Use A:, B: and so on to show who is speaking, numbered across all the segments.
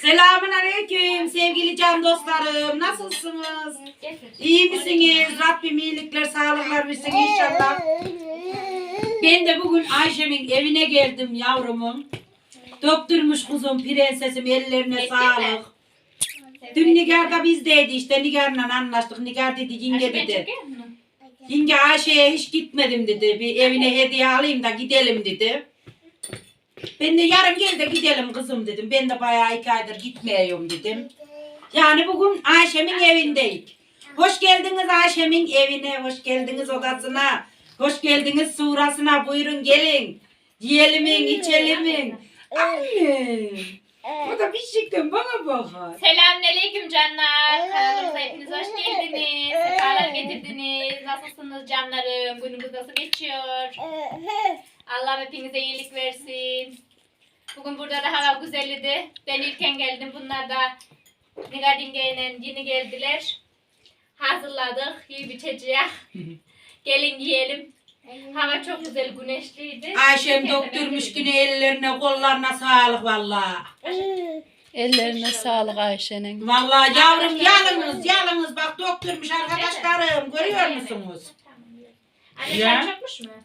A: Selamünaleyküm sevgili can dostlarım. Nasılsınız? İyi misiniz? Rabbim iyilikler, sağlıklar versin inşallah. Ben de bugün Ayşem'in evine geldim yavrumun. Doktormuş kuzum, prensesim, ellerine sağlık. Dün Nigar da bizdeydi işte, Nigar'la anlaştık. Nigar dedi, yenge dedi. Yenge Ayşe'ye hiç gitmedim dedi. Bir evine hediye alayım da gidelim dedi. Ben de yarın gel de gidelim kızım dedim. Ben de bayağı 2 aydır gitmiyorum dedim. Yani bugün Ayşem'in evindeyik. Hoş geldiniz Ayşem'in evine, hoş geldiniz odasına, hoş geldiniz surasına. Buyurun gelin. Yiyelim, içelim. Anne. Bu da bir şıktım bana bakar.
B: Selamünaleyküm canlar. Kanalımıza hepiniz hoş geldiniz. Sefalar getirdiniz. Nasılsınız canlarım? Günümüz nasıl geçiyor? Allah hepinize iyilik versin. Bugün burada da hava güzeldi. Ben ilken geldim. Bunlar da Nigar yengeyle yeni geldiler. Hazırladık. Yiyip içeceğiz. Gelin yiyelim. Hava çok güzel, güneşliydi.
A: Ayşem doktormuş güne, ellerine kollarına sağlık vallahi.
C: Ellerine sağlık Ayşe'nin.
A: Vallahi yavrum yalnız bak doktormuş arkadaşlarım, görüyor musunuz?
B: Anne
A: Ya.
B: çay çökmüş mü?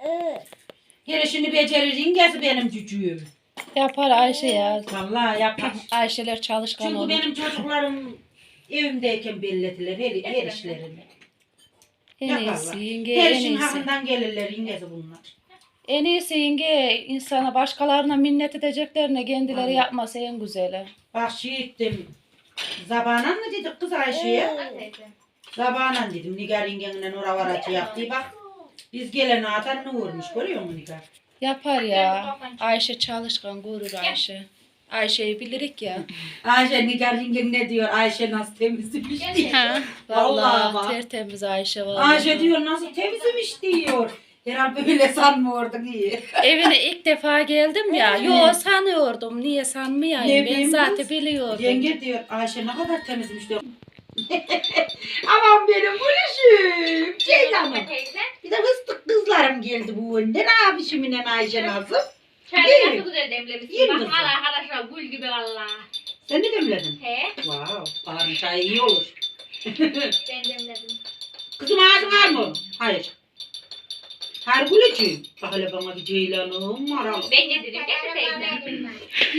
A: Gelişini becerir ingesi benim cücüğüm.
C: Yapar Ayşe ya.
A: Vallahi yapar.
C: Ayşeler çalışkan
A: Çünkü
C: olur.
A: benim çocuklarım evimdeyken bellettiler her işlerini.
C: En iyisi yenge,
A: Her
C: en
A: işin
C: iyisi.
A: hakkından gelirler ingesi bunlar.
C: En iyisi yenge, insana başkalarına minnet edeceklerine kendileri
A: Aynen.
C: yapması en güzeli.
A: Bak ettim. Zabanan mı dedik kız Ayşe'ye? Zabanan dedim. Nigar yengenle Nura varacı yaptı. Bak biz gelene atan ne vurmuş, görüyor musun Nigar?
C: Yapar ya. Ayşe çalışkan, gurur Ayşe. Ayşe'yi bilirik ya.
A: Ayşe Nigar yengen ne diyor? Ayşe nasıl temizmiş diyor.
C: Vallahi
A: bak.
C: tertemiz Ayşe vallahi.
A: Ayşe diyor nasıl temizmiş diyor. Herhalde böyle sanmıyorduk iyi.
C: Evine ilk defa geldim ya. Yo sanıyordum. Niye sanmayayım?
A: Ne
C: Ben
A: bileyim
C: zaten
A: kız?
C: biliyordum.
A: Yenge diyor Ayşe ne kadar temizmiş diyor. Aman benim gülüşüm. Ceylan'ım. Bir de fıstık kızlarım geldi bu önde. Ne yapışımla Ayşe nasıl?
B: Çayı nasıl güzel demlemişsin.
A: İyi mi
B: Bakın
A: kızım?
B: arkadaşlar gül gibi valla.
A: Sen ne demledin?
B: He?
A: Wow, baharın çayı iyi olur.
B: Ben demledim.
A: Kızım ağzın var mı? Hayır. Hayır gülücüğüm. Bak hele bana bir Ceylan'ım maralı.
B: Ben yedireyim. Getir teyzem.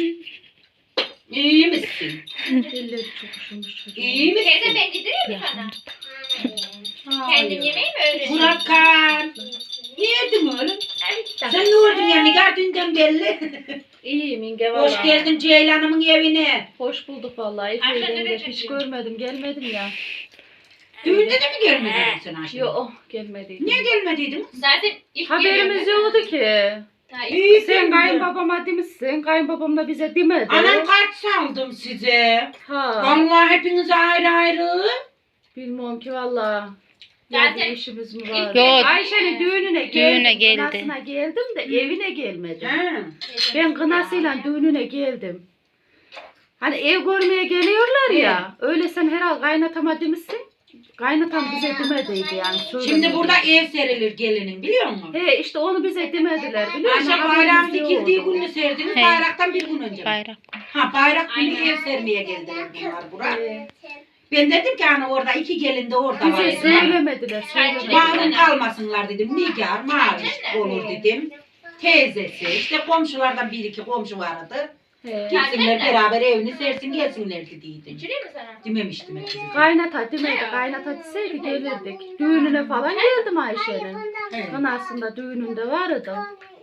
A: İyi misin?
C: Elleri çok üşümüş çocuğum.
A: İyi misin?
B: Teyze ben yedireyim mi sana? Kendim yemeği mi öğreniyorsun?
A: Burakkan. Ne yedin oğlum?
B: Evet.
A: Sen ne oldun ya Nigar dünden belli.
C: İyiyim yenge vallahi.
A: Hoş geldin Ceylan'ımın evine.
C: Hoş bulduk vallahi.
B: Ayşe
C: Efe'yi
B: nereye
C: de hiç
B: çekiyor?
C: görmedim. Gelmedim ya.
A: Düğünde de mi gelmedin sen Ayşe?
C: Yok gelmediydim.
A: Niye gelmediydin?
B: Zaten ilk
C: Haberimiz yoktu ki.
A: İyi
C: Sen kayınbabama demişsin. Kayınbabam da bize demedi.
A: Anam kart saldım size.
C: Ha.
A: Vallahi hepiniz ayrı ayrı.
C: Bilmiyorum ki vallahi.
B: Zaten-
C: Ya bir işimiz mi var?
D: Yok.
C: Ayşe'nin düğününe geldim.
D: Düğüne geldi.
C: Kınasına geldim de evine gelmedim.
A: He.
C: Ben kınasıyla düğününe geldim. Hani ev görmeye geliyorlar ya. Öyle sen herhalde kaynatama demişsin. Kaynatam bize demediydi yani.
A: Şimdi
C: söylemedi.
A: burada ev serilir gelinin biliyor musun?
C: He işte onu bize demediler biliyor musun?
A: Ayşe bayram
C: Haberimiz
A: dikildiği
C: yoktu.
A: günü serdiniz,
D: He.
A: bayraktan bir gün önce.
D: Bayrak.
A: Ha bayrak günü
B: Aynen.
A: ev sermeye geldiler bunlar buraya.
C: He.
A: Ben dedim ki hani orada 2 gelin de orada var.
C: Bize
A: dedim.
C: söylemediler.
A: Mahrum kalmasınlar dedim. Nigar, Maviş olur dedim. Teyzesi, işte komşulardan 1-2 komşu vardı.
C: He.
A: Gitsinler beraber evini sersin gelsinler dediydim.
B: İçireyim mi sana?
A: Dememiştim hep size.
C: Kaynata demedi. Kaynata deseydi gelirdik. Düğününe falan geldim Ayşe'nin.
A: Evet.
C: Kınasında düğününde vardı.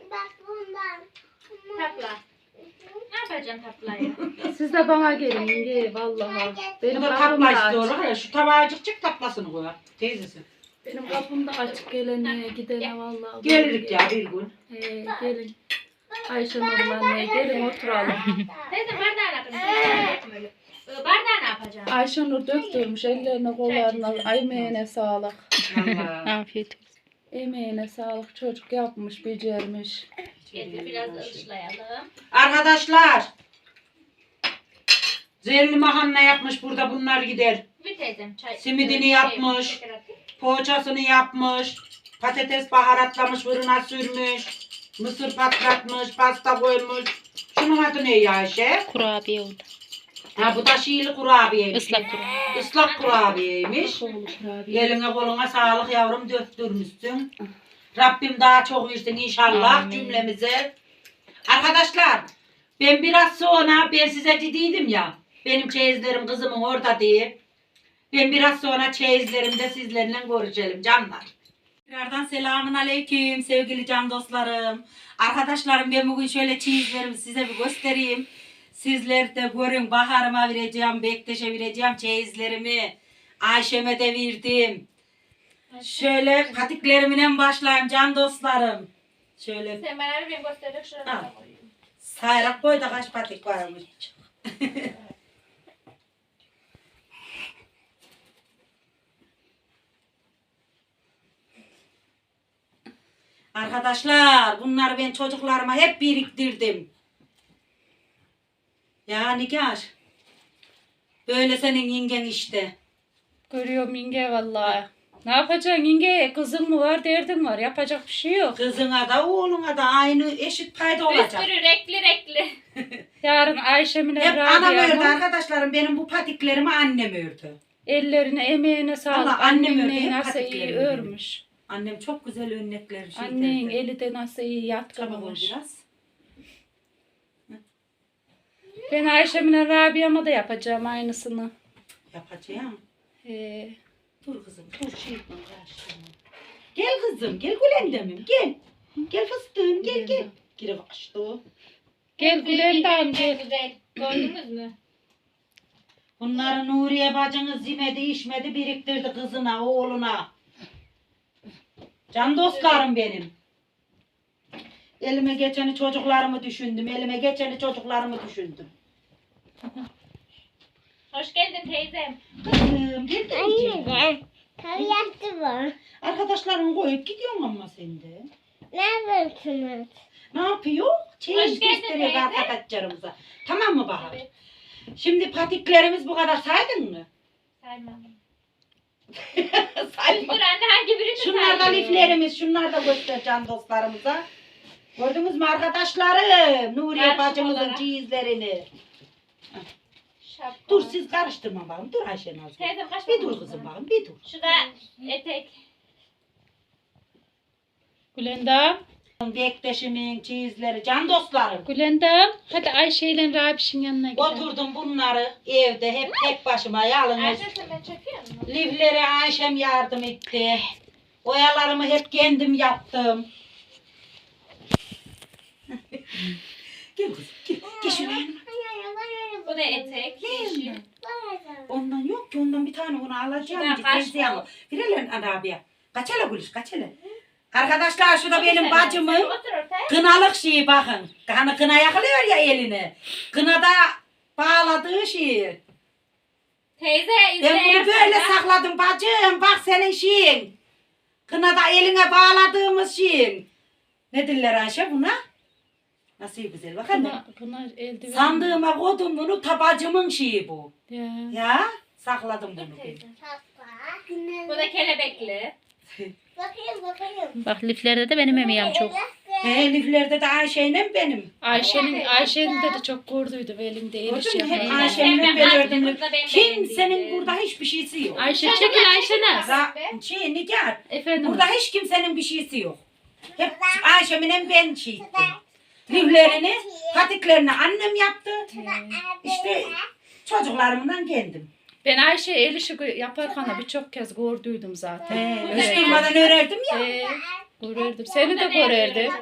B: Tapla. Ne yapacaksın taplayı?
C: Siz de bana gelin yenge vallahi.
A: Bu
C: Benim
A: da
C: kapım
A: tapla
C: da
A: işte
C: açık.
A: olur ya. Şu tabağcık çık taplasını koyar. Teyzesi.
C: Benim kapım da açık gelene gidene vallahi.
A: Gelirik ya bir gün.
C: He, gelin. Ayşe Nur'la anne gelin oturalım.
B: Teyze bardağı ne yapacaksın? Bardağı ne yapacaksın?
C: Ayşe Nur döktürmüş ellerine kollarına. Emeğine sağlık.
A: Vallahi.
D: Afiyet olsun.
C: Emeğine sağlık. Çocuk yapmış, becermiş.
B: Getir biraz da ıslayalım.
A: Arkadaşlar. Zerli mahanne yapmış burada bunlar gider.
B: Bir teyzem çay.
A: Simidini yapmış.
B: şeker atayım.
A: Poğaçasını yapmış. Patates baharatlamış, fırına sürmüş. Mısır patlatmış, pasta koymuş. Şunun adı ne ya Ayşe?
D: Kurabiye oldu.
A: Ha bu da şiirli kurabiyeymiş.
C: Islak kuru.
A: Islak kurabiyeymiş.
C: Soğulu kurabiye.
A: Eline koluna sağlık yavrum, döktürmüşsün. Rabbim daha çok versin inşallah
C: Amin.
A: cümlemize. Arkadaşlar ben biraz sonra ben size dediydim ya benim çeyizlerim kızımın orada diye. Ben biraz sonra çeyizlerimde sizlerle görüşelim canlar. Tekrardan selamun aleyküm sevgili can dostlarım. Arkadaşlarım ben bugün şöyle çeyizlerimi size bir göstereyim. Sizler de görün, Bahar'ıma vereceğim, Bektaş'a vereceğim çeyizlerimi. Ayşem'e de verdim. Şöyle patiklerimden başlayayım can dostlarım. Şöyle
B: Sen bana bir göstererek şuraya koyayım.
A: sayrak koy da kaç patik varmış. Arkadaşlar bunları ben çocuklarıma hep biriktirdim. Ya Nigar. Böyle senin yengen işte.
C: Görüyorum yenge vallahi. Ne yapacaksın yenge? Kızın mı var, derdin var. Yapacak bir şey yok.
A: Kızına da oğluna da aynı eşit payda
B: Bir
A: olacak.
B: sürü renkli.
C: Yarın Ayşem'ine
A: Hep anam ördü
C: Rabia'ma
A: arkadaşlarım. Benim bu patiklerimi annem ördü.
C: ellerine, emeğine sağlık.
A: Vallahi annem
C: Annem
A: ördü, hep
C: nasıl iyi
A: patiklerini
C: örmüş.
A: Annem çok güzel örnekler şey
C: Annen
A: derdi.
C: eli de nasıl iyi
A: Çabuk ol
C: yatkınmış.
A: biraz.
C: Ben Ayşem'ine Rabia'ma da yapacağım aynısını.
A: Yapacağım.
C: He.
A: Dur kızım dur şey yapma, karıştırma. Gel kızım gel Gülendem'im gel. Gel fıstığım gel gel. Geri kaçtı.
C: Gel Gülendam gel.
B: Güzel. Gördünüz mü?
A: Bunları Nuriye bacınız yemedi içmedi biriktirdi kızına oğluna. Can dostlarım benim. Elime geçeni çocuklarımı düşündüm. Elime geçeni çocuklarımı düşündüm.
B: Hoş geldin teyzem.
A: Kızım gel de
D: Yaptı mı?
A: arkadaşlarını koyup gidiyorsun ama sen de.
D: Ne yapıyorsunuz?
A: Ne yapıyor? Çeyiz
B: Hoş geldin
A: gösteriyor
B: teyze.
A: arkadaşlarımıza. Tamam mı Bahar?
B: Evet.
A: Şimdi patiklerimiz bu kadar saydın mı?
B: Saymam.
A: Sayma.
B: Dur anne hangi birini
A: Şunlar da
B: sayayım?
A: liflerimiz. Şunlar da göstereceğim dostlarımıza. Gördünüz mü arkadaşlarım? Nuriye
B: Karşı
A: bacımızın
B: olarak.
A: çeyizlerini.
B: Şapka.
A: Dur siz karıştırma bakalım. Dur Ayşe Nazlı.
B: Teyzem kaç
A: Bir
B: para
A: dur
B: oldu?
A: kızım bakalım. Bir dur.
B: Şu da etek.
C: Gülendam.
A: Bektaşımın çeyizleri. Can dostlarım.
C: Gülendam. Hadi Ayşe ile Rabiş'in yanına gidelim.
A: Oturdum bunları evde hep tek başıma yalnız.
B: Ayşe sen ben çekiyor musun?
A: Liflere Ayşem yardım etti. Oyalarımı hep kendim yaptım. Gel kızım gel. Gel şuraya.
B: Bu da etek. Yeşil.
A: Ondan yok ki ondan bir tane onu alacağım.
B: Ya,
A: Git
B: kaç
A: teyzeye
B: mı?
A: al. Birelim Arabiya. Kaç hele Gülüş kaç hele. Arkadaşlar şu da benim
B: Sen
A: bacımın
B: otur ortaya.
A: kınalık şeyi bakın. Hani kına yakılıyor ya eline. Kınada bağladığı şeyi.
B: Teyze
A: Ben bunu böyle
B: izle.
A: sakladım bacım. Bak senin şeyin. Kınada eline bağladığımız şeyin. Ne diller Ayşe buna? Nasıl güzel bak anne.
C: Bunlar eldiven.
A: Sandığıma koydum bunu tabacımın şeyi bu.
C: Ya.
A: Ya sakladım bunu ben.
B: Teyze. Bu da kelebekli.
D: Bakayım.
C: Bak liflerde de benim emeğim çok.
A: Eliflerde de Ayşe'yle benim.
C: Ayşe'nin de çok gördüydü ve elimde el işi
A: Gördün mü? Hep
C: yapmayı.
A: Ayşe'nin
B: Ben
A: ben
B: baktım,
A: ördüm.
B: burada benim
A: Kimsenin
B: beğendiğim.
A: burada hiçbir şeysi yok.
C: Ayşe çekil Ayşe Naz.
A: Şey Nigar.
C: Efendim.
A: Burada hiç kimsenin bir şeysi yok. Hep Ayşe'mle ben şey ettim. Liflerini, patiklerini annem yaptı. İşte çocuklarımdan kendim.
C: Ben Ayşe el işi yaparken de birçok kez gördüydüm zaten.
A: Hiç durmadan örerdim ya.
C: Görürdüm. Seni de görürdüm.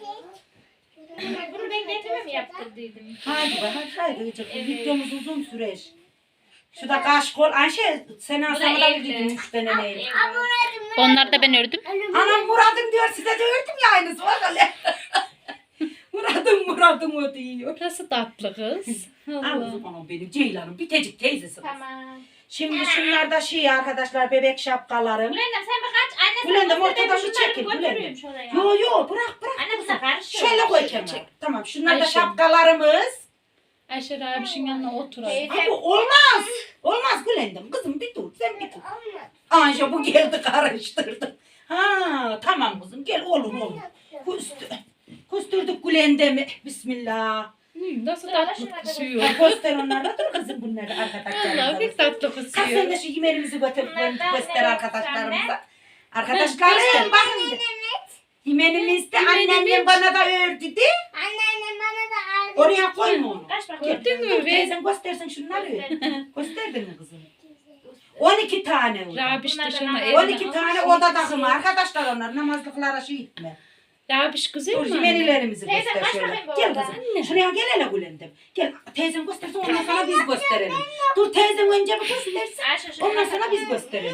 B: Bunu ben kendime mi yaptırdıydım?
A: Hadi be hadi gıcık. Videomuz uzun sürer. Şu da kaş kol. Ayşe sen
B: Bu da
A: sana da
B: evli.
A: dedim 3 tane neyle.
C: Onları da ben ördüm.
A: Anam Murat'ım diyor size de ördüm ya aynısı var öyle. Murat'ım o diyor.
C: Burası tatlı kız.
A: Al
C: Allah.
A: kızım anam benim Ceylan'ım bitecik teyzesi.
B: Tamam.
A: Şimdi şunlar da şey arkadaşlar bebek şapkalarım.
B: Gülendam sen bir kaç. Anne sen
A: Gülendam,
B: göster, ben
A: ortadan bir
B: şunları
A: çekil,
B: götürüyorum
A: Gülendam.
B: şuraya.
A: Yo bırak.
B: Anne bu sefer
A: Şöyle koy kenara. Tamam şunlar da
C: Ayşe.
A: şapkalarımız.
C: Ayşe Rabiş'in yanına otur.
B: Teyze.
A: Abi olmaz. Olmaz Gülendam. Kızım bir dur sen bir dur. Ayşe bu geldi karıştırdı. Ha tamam kızım gel olur. Küstürdük Gülendam'i. Bismillah.
C: Nasıl
B: Sırada
C: tatlı
B: şuna
C: kusuyor.
A: Göster onlarla dur kızım bunları arkadaşlarımıza.
C: Allah bir tatlı
A: Kalk sen
C: kusuyor.
A: de şu yemeğimizi götür,
B: Bunlardan
A: göster
B: ne
A: arkadaşlarımıza.
B: göster
A: Arkadaşlarım bakın. de. Yemenimiz de anneannem bana da ördü de.
D: Anneannem bana da aldı.
A: Oraya koyma onu.
B: Kaç bakayım.
C: Gördün mü?
A: Dur
C: Ve
A: teyzen göstersin şunları.
B: Gösterdim.
A: Gösterdin mi kızım? 12 tane oldu.
C: Rabiş
B: Bunlardan
C: dışına
B: al.
C: eline
A: 12 tane oda takımı arkadaşlar onlar namazlıklara şey etme.
C: Rabiş güzel
A: Dur
C: mi?
A: yemenlerimizi
B: Teyze,
A: göster
B: kaç
A: şöyle.
B: bakayım bu
A: Gel
B: oda?
A: kızım. Şuraya gel hele Gülendem. Gel teyzen göstersin ondan sonra biz gösterelim. Dur teyzen önce bir göstersin.
B: Ayşe şu
A: Ondan sonra biz gösterelim.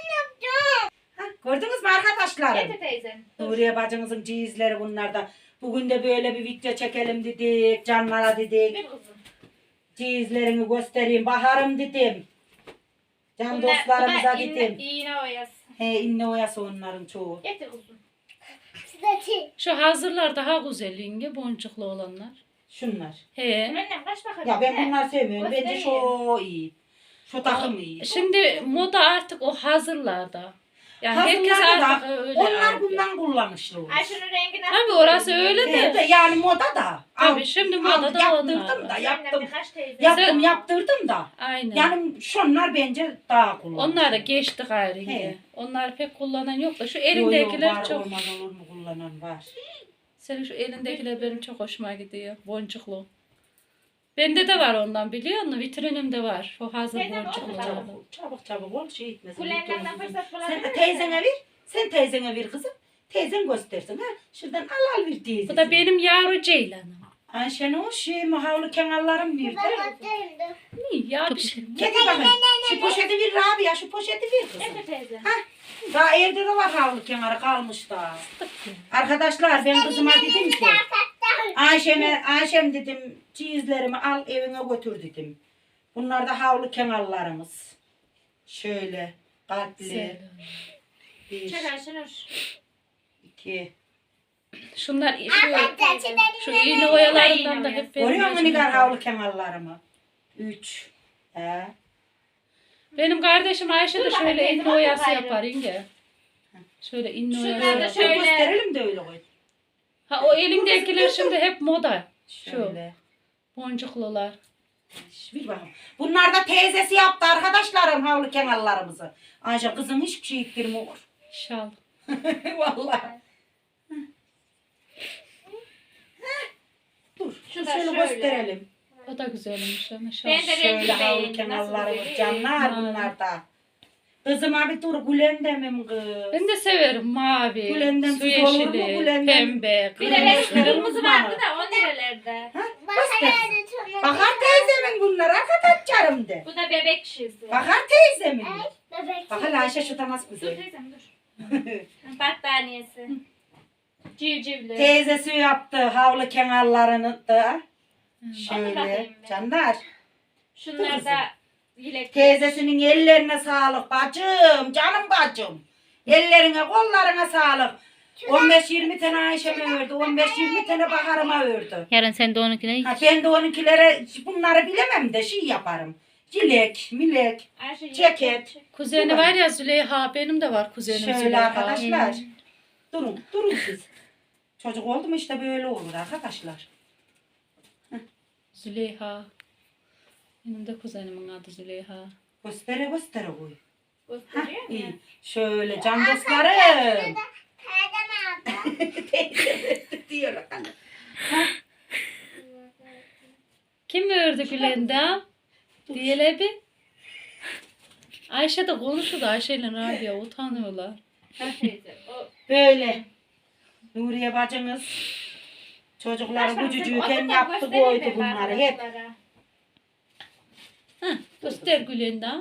A: Ha, gördünüz mü arkadaşlarım?
B: Getir teyzem.
A: Nuriye bacımızın cihizleri bunlarda. Bugün de böyle bir video çekelim dedik. Canlara dedik.
B: Bir kızım.
A: Cihizlerini göstereyim. Baharım dedim. Can dostlarımıza dedim.
B: İğne oyası.
A: He inne oyası onların çoğu.
B: Getir kızım.
D: Sıdaki.
C: Şu hazırlar daha güzel yenge boncuklu olanlar.
A: Şunlar.
C: He.
B: Annem kaç bakayım.
A: Ya ben bunları sevmiyorum. Bence
B: Göstereyim.
A: şu iyi. Şu takım iyi.
C: Şimdi moda artık o hazırlarda. Yani herkes
A: Hazırlarda
C: artık
A: da
C: öyle.
A: onlar
C: alıyor.
A: bundan kullanışlı olur.
B: Ayşe'nin rengi nasıl?
C: Tabii orası öyle
A: Evet
C: de.
A: de yani moda da.
C: Tabii şimdi moda da
A: yaptırdım
C: onlar.
A: da yaptım.
B: Kaç teyze?
A: Yaptırdım da.
C: Aynen.
A: Yani şunlar bence daha kullanışlı.
C: Onlar da geçti gayrı
A: He.
C: yine. Onlar pek kullanan yok da şu
A: Yo, yo,
C: elindekiler
A: var,
C: çok.
A: olmaz olur mu kullanan var.
C: Senin şu elindekiler benim çok hoşuma gidiyor. Boncuklu. Bende de var ondan biliyor musun? Vitrinimde var. O hazır
B: Teyzem,
C: boncuklu.
B: o da var.
C: olan.
A: Çabuk ol şey etmesin.
B: Kulenlerden fırsat bulabilir
A: Sen teyzene ver. Sen teyzene ver kızım. Teyzen göstersin ha. Şuradan al bir teyze.
C: Bu da benim yavru ceylanım.
A: Ayşen o şey mahavlı kenarlarım bir de.
C: İyi ya bir şey.
A: Getir bakayım. Şu poşeti ver Rabia. Şu poşeti ver kızım.
B: Getir teyze.
A: Daha evde de var havlu kenarı kalmış da. Arkadaşlar ben kızıma dedim ki Ayşem dedim cihizlerimi al evine götür dedim. Bunlar da havlu kenarlarımız. Şöyle kalpli. Bir,
B: Çek Ayşenur.
A: 2.
C: Şunlar şu iğne oyalarından da hep benim
A: Görüyor musun
C: gözüme
A: Nigar
C: var.
A: havlu kenarlarımı? 3.
C: Benim kardeşim Ayşe de
B: Dur bakayım,
C: şöyle
B: teyze,
C: inne oyası
B: bakın
C: yapar inge. Şöyle inne
B: Şunlar
C: oyası
B: da
C: yapar.
B: şöyle-
A: Gösterelim de öyle koy.
C: Ha o elindekiler şimdi hep moda.
A: Şöyle.
C: Boncuklular.
A: Bir bakın. Bunlar da teyzesi yaptı arkadaşlarım havlu kenarlarımızı. Ayşe kızım hiçbir şey ittirmiyor.
C: Şal.
A: Vallahi. Dur.
B: Şu da
A: Şöyle
B: şöyle.
A: gösterelim.
C: O da güzelmiş ama şal.
B: Ben de
A: Şöyle
B: rengi
A: havlu
B: beğendim.
A: kenarlarımız
B: Nasıl
A: canlar
C: güzel.
A: bunlar da. Kızım abi dur Gülendem'im kız.
C: Ben de severim mavi,
A: Gülendem
C: su
A: siz olur mu
C: yeşili,
A: Gülendem?
C: pembe,
B: Bir de
A: Kırmızı,
B: renkli
A: kırmızı
B: kırmızı
A: bana.
B: vardı da 10 liralerde.
A: Ha? Göster. Bakar teyzemin bunlar arkadaşlarım de.
B: Bu da bebek şişesi.
A: Bakar teyzemin.
D: Bebek.
A: Bak hele Ayşe şu da nasıl
B: Dur
A: güzel.
B: teyzem dur. Battaniyesi. Civcivli.
A: Teyzesi yaptı havlu kenarlarını da. Şöyle
B: bakayım ben.
A: canlar.
B: Şunlar da yelek.
A: Teyzesinin ellerine sağlık bacım, canım bacım. Ellerine, kollarına sağlık. 15-20 tane Ayşe'me ördü, 15-20 tane Bahar'ıma ördü.
E: Yarın sen de onunkine
A: Ha, ben de onunkilere bunları bilemem de şey yaparım. Cilek, milek,
B: Ayşe,
A: ceket.
C: Kuzeni var ya Züleyha, benim de var kuzenim
A: Şöyle
C: Züleyha.
A: arkadaşlar. Durun siz. Çocuk oldu mu işte böyle olur arkadaşlar.
C: Züleyha. Benim de kuzenimin adı Züleyha.
A: Göstere koy.
B: Gösteriyor
A: İyi.
B: mu?
A: Şöyle can dostlarım.
D: Perdem aldı.
A: Diyor.
C: Kim ördü Gülenda? Diyelim bir. Ayşe de konuşuyordu. Ayşe ile Rabia utanıyorlar.
B: Teyze, o-
A: Böyle. Nuriye bacımız çocukları bu cücüğüken yaptı koydu bunları hep.
C: Göster Gülenda.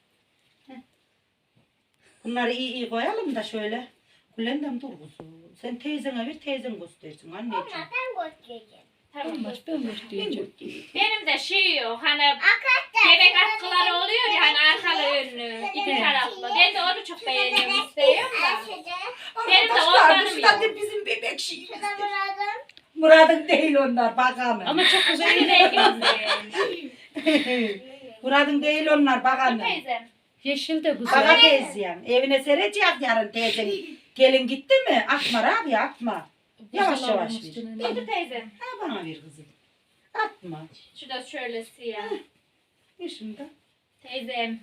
A: Bunları iyi koyalım da şöyle. Gülendam dur kuzum. Sen teyzene ver teyzen göstersin anneciğim.
D: Ben göstereceğim.
B: Tamam.
C: Olmaz ben göstereceğim.
B: Benim de şey yok hani bebek atkıları oluyor ya hani arkalı önlü iki taraflı. Ben de onu çok beğeniyorum istiyorum da. Benim de
A: Arkadaşlar
B: onlarım
A: dışta
B: yok.
A: da bizim bebek şeyimiz.
D: Şurada Murat'ım.
A: Murad'ın değil onlar bakalım.
C: Ama çok güzel.
B: Senin rengin.
A: Murad'ın değil onlar bakalım.
B: Teyzem.
C: Yeşil de güzel.
A: Bana teyzem. Evine serecek yarın teyzen. Gelin gitti mi? Akma abi akma. Yavaş
C: Güzel
A: yavaş
C: olmuş
A: ver.
C: Gülenda.
B: Dur teyzem.
A: Ha bana ver kızım. Atma.
B: Şu da şöyle siyah.
A: Şimdi.
B: Teyzem.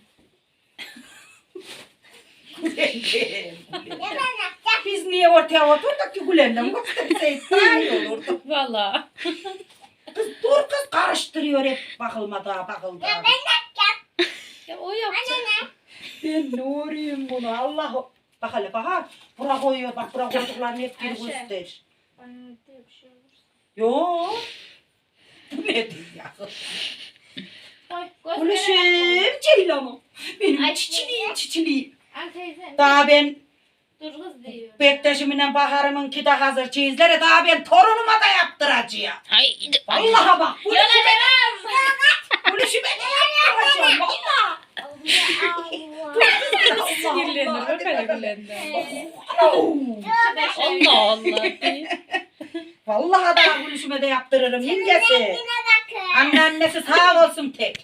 A: Biz niye ortaya oturduk ki Gülen'den? Gösterseydik daha iyi olurdu.
C: Valla.
A: Kız dur kız karıştırıyor hep bakılmada bakılda.
C: Ya o yapacak.
A: Ben ne orayım bunu Allah. Bak hele bak ha. Bura koyuyor bak bura koyduklarını hep bir
B: Ayşe.
A: göster.
B: Anne de bir şey olur.
A: Yo. Bu nedir ya?
B: Koy, göster.
A: Gülüşüm Ceylan'ım. Benim
B: Ay,
A: çiçiliğim.
B: Al teyzem.
A: Daha ben
B: Dur kız diyor.
A: Bektaşımla Bahar'ımınki de hazır çizleri daha ben torunuma da yaptıracağım.
C: Ay.
A: Vallahi bak.
B: Yola devam.
A: Gülüşüme de yaptıracağım. Vallahi.
C: Sinirlenir. Bak hele Gülen'den.
B: Şu da şöyle.
C: Allah Allah.
A: Vallahi da gülüşüme de yaptırırım yengesi. Anneannesi sağ olsun tek.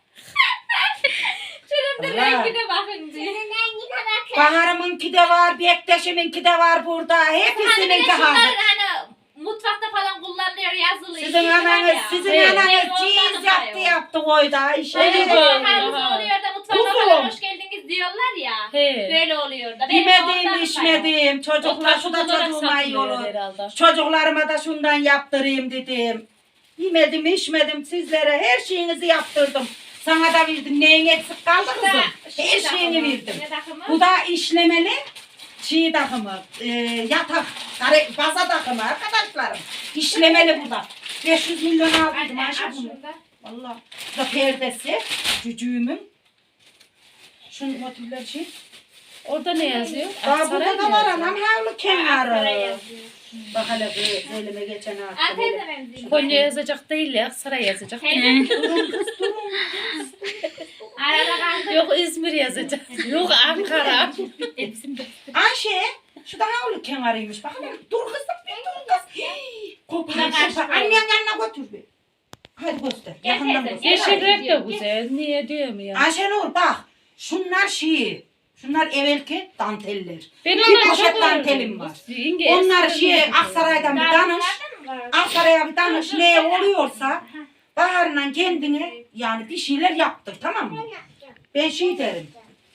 B: Şunun da
A: Allah.
B: rengine bakın diyor.
A: Bahar'ımınki de var, Bektaş'ımınki de var burada.
B: Hani bir de
A: Hepsininki
B: şunlar
A: hazır.
B: hani mutfakta falan kullanılıyor yazılı.
A: Sizin
B: şey var
A: ananız,
B: ya.
A: sizin
C: Evet.
A: ananız ciğiz yaptı koydu Ayşe.
B: Öyle
C: Evet.
B: bakarız oluyor da mutfağına
A: Kuzum.
B: falan hoş geldiniz diyorlar ya.
C: He.
B: Böyle oluyor da. Benim ondan
A: Yemedim,
B: sayıyorum.
A: içmedim.
C: O
A: Çocuklar şu da
C: takımlara
A: çocuğuma iyi
C: satılıyor
A: olur.
C: herhalde.
A: Çocuklarıma da şundan yaptırayım dedim. Yemedim, içmedim. Sizlere her şeyinizi yaptırdım. Sana da verdim. Neyin eksik kaldı kızım? Her şeyini verdim.
B: Ne takımı?
A: Bu da işlemeli çiğ takımı, yatak, baza takımı arkadaşlarım. İşlemeli bu da. 500 milyon aldıydım
B: Anne,
A: Ayşe
B: al
A: bunu.
B: şunu da.
A: Vallahi. Bu da perdesi, cücüğümün. Şunun motifler şey.
C: Orada ne yazıyor?
A: Daha
C: Aksaray
A: burada da
C: mı
A: var
C: yazıyor?
A: anam havlu
B: Ankara
A: kenarı.
B: yazıyor.
A: Bak hele bu elime geçen hafta.
B: Antep
A: böyle.
B: de benziyor.
C: Konya yazacak değil ya. Aksaray yazacak.
B: Teyzem.
A: Durun kız durun.
B: Arada kaldı.
C: Yok İzmir yazacak. Yok Ankara.
A: Ayşe, şu da havlu kenarıymış. Bak hele dur kızım bir dur kız. Kopar
B: Buna karşı
A: kopar.
B: böyle.
A: Annen yanına götür bir. Hadi göster.
B: Gel
A: Yakından
B: teyze,
A: göster.
C: Yeşil renk de güzel. Niye diyorum ya?
A: Ayşenur bak. Şunlar şey. Şunlar evvelki danteller.
C: Ben
A: Bir
C: onları
A: poşet
C: çok
A: dantelim
C: öğrendim.
A: var.
C: Yenge
A: Onlar
C: eskiden
A: şey
C: çok
A: Aksaray'dan bir
B: Daha
A: danış.
B: bunlardan mı var?
A: Aksaray'a bir danış ne oluyorsa Bahar'la kendine yani bir şeyler yaptır tamam mı? Ben şey derim.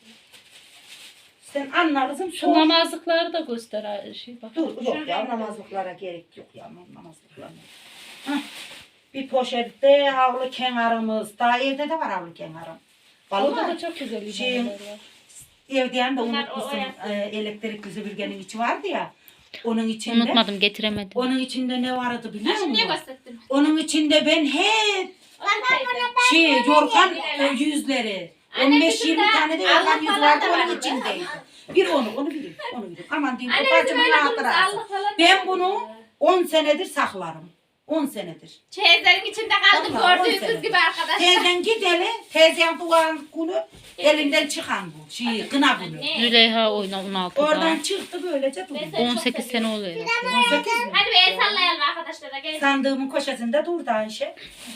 A: Sen anlarsın
C: Şu
A: sor.
C: namazlıkları da göster. Şey bak.
A: Dur yok ya namazlıklara gerek yok ya namazlıklara. Hah, bir poşette havlu kenarımız. Daha evde de var havlu kenarım.
C: Orada
A: Vallahi
C: da çok güzel
A: Şey-
C: ibadeler var.
A: evden de
B: Bunlar
A: unutmuşsun.
B: o yaptı.
A: Elektrikli süpürgenin içi vardı ya. Onun içinde.
E: Unutmadım, getiremedim.
A: Onun içinde ne vardı biliyor
B: Şimdi niye
A: musun?
B: gösterdin?
A: Onun içinde ben hep
B: Teyze.
A: yorgan yüzleri.
B: Anne,
A: 15-20
B: bizim de
A: tane de
B: Allah
A: yorgan yüz
B: falan
A: vardı
B: da
A: onun
B: vardı.
A: içindeydi. Bir onu bileyim. Onu bileyim. Aman diyeyim.
B: Anne
A: bu
B: bizim
A: bacımın
B: öyle durmuş
A: hatırası.
B: Allah falan.
A: Ben bunu 10 senedir saklarım. 10 senedir.
B: Çeyizlerin içinde kaldım
A: Vallahi on
B: gördüğünüz
A: sene.
B: gibi arkadaşlar.
A: Teyzen gideli, teyzem duvarın kulü elinden çıkan bu. Şey, kına bunu.
B: Ne?
E: Züleyha oyna 16'da.
A: Oradan çıktı böylece durdu.
B: Ben seni çok
E: 18 sene
B: seviyorum.
E: oluyor.
A: 18 mi?
B: Hadi bir el sallayalım arkadaşlara gel.
A: Sandığımın köşesinde durdu Ayşe.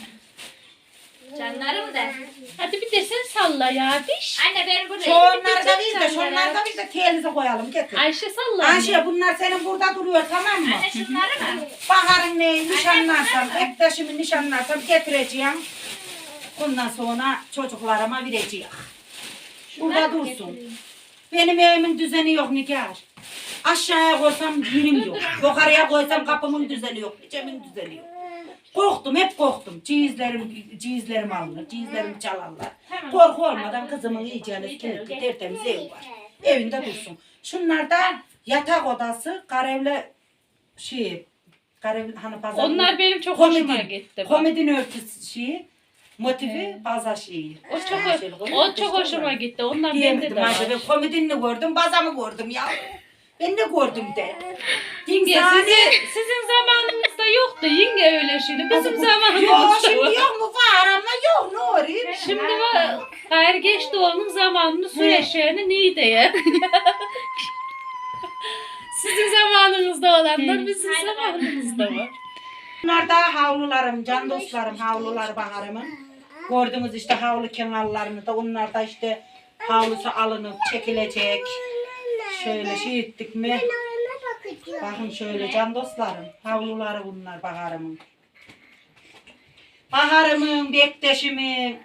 B: Canlarım da.
C: Hadi bir de sen salla ya diş.
B: Anne ben burada
A: Şunları da biz de, şunları da biz de telize koyalım. Getir.
C: Ayşe salla.
A: Ayşe bunlar senin burada duruyor tamam mı?
B: Anne şunları mı?
A: Bahar'ın neyi nişanlarsam, ektaşımı nişanlarsam getireceğim. Bundan sonra çocuklarıma vereceğim. Burada dursun. Benim evimin düzeni yok Nigar. Aşağıya koysam yerim yok. Yukarıya koysam kapımın düzeni yok. Nicemin düzeni yok. Korktum, hep korktum. Cihizlerim alınır, cihizlerimi çalarlar. Korku olmadan kızımın iyicene kilitli, tertemiz ev var. Evinde dursun. Şunlar da yatak odası, karevle şey, karev hani pazar.
C: Onlar benim çok hoşuma gitti. bak.
A: Komedin örtüsü şeyi, motifi baza şeyi.
C: O çok hoşuma gitti. Ondan bende
A: Diyemedim
C: de var.
A: acaba komedini gördüm, bazamı gördüm ya. Ben de gördüm de.
C: Yenge
A: İnsani-
C: sizin zamanınızda yoktu yenge öyle şimdi. Bizim
A: Yok
C: zamanımızda
A: şimdi
C: var.
A: yok mu var ama yok ne oluyor?
C: Şimdi var. Hayır geçti onun zamanını su eşeğini niye diye. Sizin zamanınızda olanlar bizim zamanımızda var.
A: Bunlar da havlularım, can dostlarım, havlular Bahar'ımın. Gördünüz işte havlu kenarlarını da onlar da işte havlusu alınıp çekilecek. Şöyle şey ettik mi? Bakın şöyle can dostlarım, havluları bunlar Bahar'ımın. Baharımın, Bektaşımın,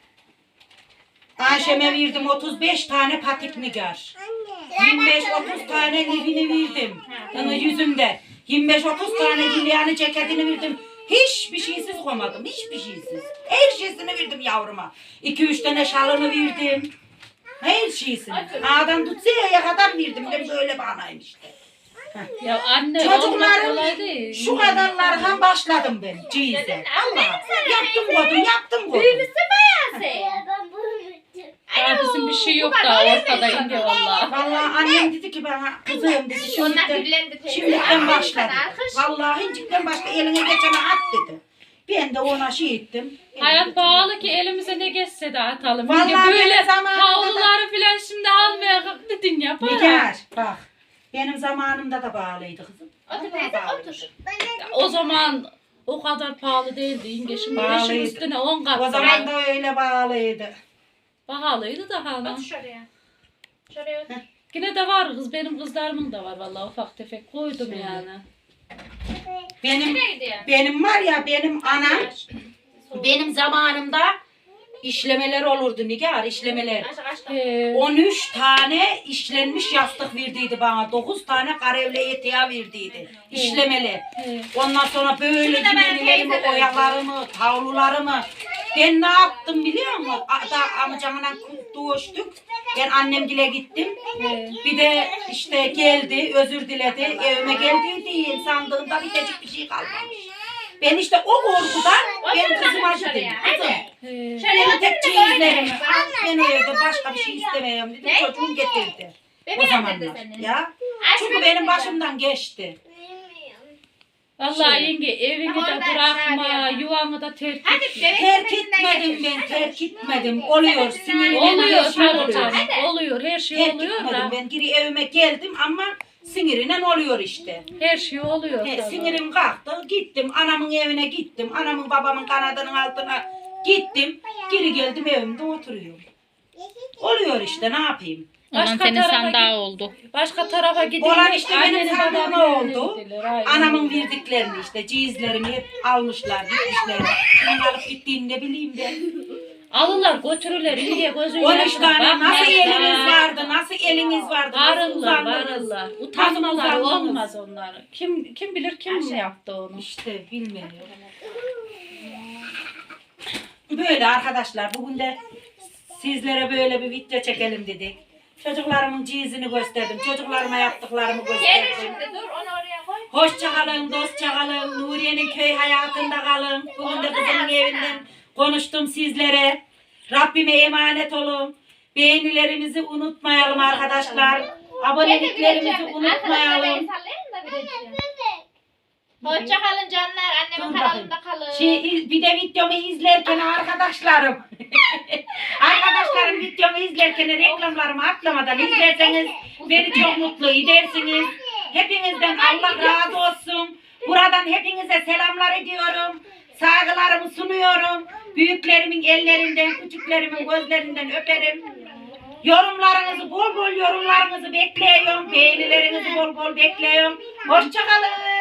A: Ayşem'e verdim 35 tane patik nigar. 25-30 tane livini verdim. Yüzümde. 25-30 tane gilyani ceketini verdim. Hiçbir şeysiz koymadım. Hiçbir şeysiz. Her şeysini verdim yavruma. 2-3 tane şalını verdim. Her şeysini. Adam tutsaya kadar verdim. Ben böyle banayım işte.
C: Ya anne olmak kolay
A: Çocuklarım
C: değil.
A: şu kadarlardan başladım ben. Cize. Allah. Yaptım kodum.
B: Büyümüşsün bayağı sen.
D: Ben bunu bitirdim.
C: Daha bizim bir şey yok da ortada ince valla.
A: Vallahi annem dedi ki bana kızım dedi
B: Onlar
A: şimdiden,
B: güllendi teyze.
A: şimdiden başladı.
B: Alkış.
A: Vallahi incikten başla eline geçene at dedi. Ben de ona şey ettim.
C: Hayat bağlı ki elimize ne geçse de atalım.
A: Vallahi
C: Şimdi böyle
A: benim zamanımda da-
C: havluları falan şimdi almaya kalktın yapar.
A: Nigar bak. Benim zamanımda da bağlıydı kızım.
B: Otur teyze otur.
C: O zaman o kadar pahalı değildi İnge. Şimdi
A: Pahalıydı.
C: beşin üstüne 10 kat
A: O zaman
C: daha.
A: da öyle bağlıydı.
C: Pahalıydı da hala.
B: Otur şuraya. Şuraya otur.
C: Yine de var kız. Benim kızlarımın da var vallahi ufak tefek koydum yani.
A: Benim
B: Nereye gidiyor?
A: benim var ya benim anam benim zamanımda işlemeler olurdu Nigar işlemeler.
B: Aç aç.
A: 13 tane işlenmiş yastık verdiydi bana. 9 kare karevle eteği verdiydi. İşlemeli. Ondan sonra böyle
B: Şimdi de ben
A: düğmelerimi,
B: teyze
A: oyalarımı, tavlularımı. Ben ne yaptım biliyor musun? Amcamla doğuştuk. Ben annemgile gittim. Bir de işte geldi, özür diledi. Evime geldiydi. Sandığımda bitecek bir şey kalmamış. Ben işte o korkudan ben kızıma
B: şuraya.
A: dedim.
B: Hadi.
A: Kızım.
B: Şuraya
A: Benim
B: otur
A: tek
B: da böyle.
A: çeyizlerimi al, ben o evde başka bir şey istemiyorum dedi.
B: Ne?
A: Çocuğum getirdi. O
B: Bebeğim dedi
A: zamanlar.
B: senin.
A: Ya.
B: Aç
A: Çünkü
B: bebeğim
A: benim
B: dedi.
A: başımdan geçti.
C: Vallahi
A: Şey.
C: yenge evini
B: Bak
C: de
B: oradan
C: bırakma,
B: çağırıyor.
C: yuvanı da terk
B: Hadi
C: etme.
B: bebek
A: Terk
B: sepetinden
A: etmedim
B: getir.
A: ben, terk etmedim. Oluyor, sinirime
C: Oluyor
A: her şey
C: tabii
A: oluyor.
C: canım.
B: Hadi.
C: Oluyor, her şey
A: Terk
C: oluyor
A: etmedim
C: da.
A: ben, geri evime geldim ama sinirinden oluyor işte.
C: Her şey oluyor
A: He,
C: tabii.
A: sinirim kalktı, gittim anamın evine gittim. Anamın babamın kanadının altına gittim. Geri geldim evimde oturuyorum. Oluyor işte ne yapayım.
E: Aman
C: Başka
E: senin
C: tarafa
E: sandığa oldu.
C: Başka tarafa gidince
A: Olan işte benim
C: annenin
A: sandığıma
C: babamın evine
A: oldu.
C: gidilir, aynen.
A: Anamın verdiklerini işte cihizlerimi hep almışlar, gitmişler. Kimin alıp gittiğini ne bileyim ben.
C: Alırlar götürürler iyice gözün
A: 13
C: yaşına
A: tane nasıl
C: bakmazlar.
A: eliniz vardı, nasıl eliniz vardı, nasıl
C: Varırlar,
A: uzandınız.
C: varırlar. Utanmaları
A: uzandınız?
C: olmaz onları. Kim bilir kim yaptı onu.
A: İşte bilmiyorum. Böyle arkadaşlar bugün de sizlere böyle bir video çekelim dedik. Çocuklarımın cihazını gösterdim. Çocuklarıma yaptıklarımı
B: Gel
A: gösterdim.
B: şimdi dur onu oraya koy.
A: Hoşça kalın, dostça kalın. Nuriye'nin köy hayatında kalın. Bugün de kızımın evinden konuştum sizlere. Rabbime emanet olun. Beğenilerimizi unutmayalım arkadaşlar. Aboneliklerimizi unutmayalım.
B: Hoşça kalın canlar. Annemin
A: Dur
B: kanalında kalın.
A: Bir de videomu izlerken arkadaşlarım. Arkadaşlarım videomu izlerken reklamlarımı atlamadan izlerseniz beni çok mutlu edersiniz. Hepinizden Allah razı olsun. Buradan hepinize selamlar ediyorum. Saygılarımı sunuyorum. Büyüklerimin ellerinden, küçüklerimin gözlerinden öperim. Yorumlarınızı bol bol yorumlarınızı bekliyorum. Beğenilerinizi bol bol bekliyorum. Hoşça kalın.